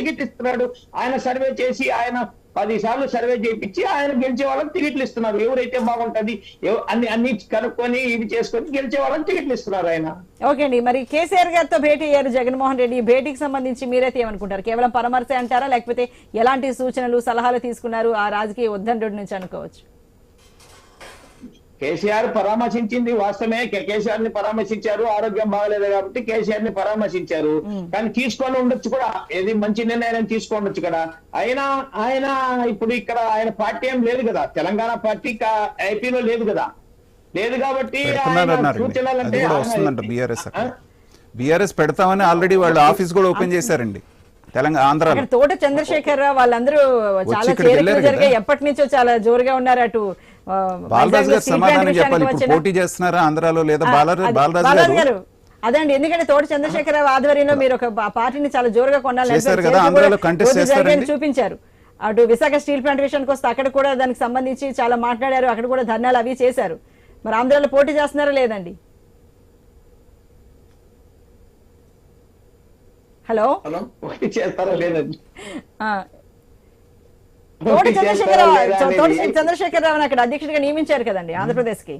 Ticket ఇస్తున్నాడు. ఆయన survey చేసి ఆయన 10 సార్లు సర్వే చేయించి ఆయన గెలిచే వాళ్ళకి టికెట్లు ఇస్తున్నారు. ఎవరైతే బాగుంటది అన్ని కనుక్కొని ఇవి చేసుకొని గెలిచే వాళ్ళకి టికెట్లు ఇస్తున్నారు ఆయన. ఓకే అండి, మరి కేసీఆర్ గారితో భేటీ అయ్యారు జగన్మోహన్ రెడ్డి. భేటీకి సంబంధించి మీరైతే ఏమనుకుంటారు? కేవలం పరామర్శ అంటారా, లేకపోతే ఎలాంటి సూచనలు సలహాలు తీసుకున్నారు ఆ రాజకీయ ఉద్దండుడి నుంచి అనుకోవచ్చు? కేసీఆర్ పరామర్శించింది వాస్తవమే. కేసీఆర్ ని పరామర్శించారు, ఆరోగ్యం బాగలేదు కాబట్టి కేసీఆర్ ని పరామర్శించారు. కానీ తీసుకొని ఉండొచ్చు కూడా, ఏది మంచి నిర్ణయం తీసుకోండొచ్చు కదా. ఆయన ఇప్పుడు ఇక్కడ ఆయన పార్టీ ఏం లేదు కదా, తెలంగాణ పార్టీ ఏపీలో లేదు కదా, లేదు కాబట్టి బీఆర్ఎస్ పెడతామని ఆల్రెడీ వాళ్ళు ఆఫీస్ కూడా ఓపెన్ చేశారండి తెలంగాణ ఆంధ్ర. తోట చంద్రశేఖర్ రావు వాళ్ళందరూ చాలా చేరికలు జరిగాయి, ఎప్పటి నుంచో చాలా జోరుగా ఉన్నారు. అటు బాలరాజు గారు సమాధానం చెప్పాలి, ఇప్పుడు పోటీ చేస్తున్నారా ఆంధ్రాలో లేదా? బాలరాజు గారు అదండి, ఎందుకంటే తోట చంద్రశేఖర్ రావు ఆధ్వర్యంలో మీరు ఒక పార్టీని చాలా జోరుగా కొనాలని చూపించారు. అటు విశాఖ స్టీల్ ప్లాంట్ విషయానికి వస్తే అక్కడ కూడా దానికి సంబంధించి చాలా మాట్లాడారు, అక్కడ కూడా ధర్నాలు అవి చేశారు. మరి ఆంధ్రాలో పోటీ చేస్తున్నారా లేదండి? హలో, చేస్తారా లేదండి? తోటి చంద్రశేఖర్ రావు అక్కడ అధ్యక్షుడిగా నియమించారు కదండి ఆంధ్రప్రదేశ్ కి.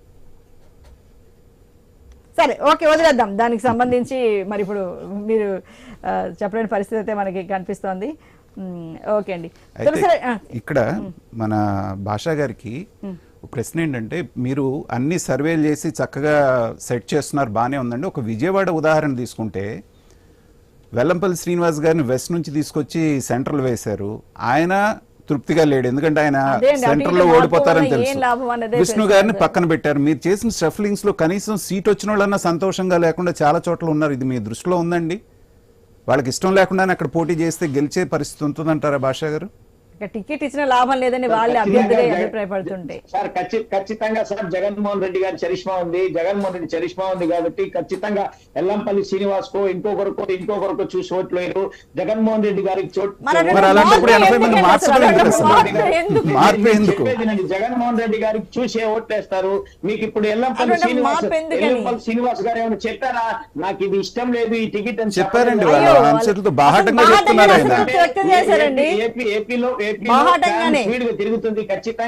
సరే, ఓకే, వదిలేద్దాం దానికి సంబంధించి. మరి ఇప్పుడు మీరు చెప్పలేని పరిస్థితి అయితే మనకి కనిపిస్తోంది. ఓకే అండి. ఇక్కడ మన భాషా గారికి ప్రశ్న ఏంటంటే, మీరు అన్ని సర్వేలు చేసి చక్కగా సెట్ చేస్తున్నారు, బాగానే ఉందండి. ఒక విజయవాడ ఉదాహరణ తీసుకుంటే వెల్లంపల్లి శ్రీనివాస్ గారిని వెస్ట్ నుంచి తీసుకొచ్చి సెంట్రల్ వేశారు. ఆయన తృప్తిగా లేడు, ఎందుకంటే ఆయన సెంట్రల్ లో ఓడిపోతారని తెలుసు. విష్ణు గారిని పక్కన పెట్టారు. మీరు చేసిన షఫ్లింగ్స్ లో కనీసం సీట్ వచ్చిన వాళ్ళన్నా సంతోషంగా లేకుండా చాలా చోట్ల ఉన్నారు. ఇది మీ దృష్టిలో ఉందండి? వాళ్ళకి ఇష్టం లేకుండానే అక్కడ పోటీ చేస్తే గెలిచే పరిస్థితి ఉంటుందంటారా భాషా గారు? టికెట్ ఇచ్చిన లాభం లేదని వాళ్ళే అభ్యర్థులే అభిప్రాయపడుతుంటే. సార్ ఖచ్చితంగా సార్ జగన్మోహన్ రెడ్డి గారి చరిష్మా ఉంది, జగన్మోహన్ రెడ్డి చరిష్మా ఉంది కాబట్టి ఖచ్చితంగా ఎల్లంపల్లి శ్రీనివాస్ కో ఇంకొకరికో చూసి ఓట్లు వేయరు. జగన్మోహన్ రెడ్డి గారికి జగన్మోహన్ రెడ్డి గారికి చూసే ఓట్లేస్తారు. మీకు ఇప్పుడు ఎల్లంపల్లి శ్రీనివాస్ గారు ఏమైనా చెప్పారా నాకు ఇది ఇష్టం లేదు ఈ టికెట్ అని చెప్పారండి? ఏపీలో స్పీడ్ గా తిరుగుతుంది ఖచ్చితంగా.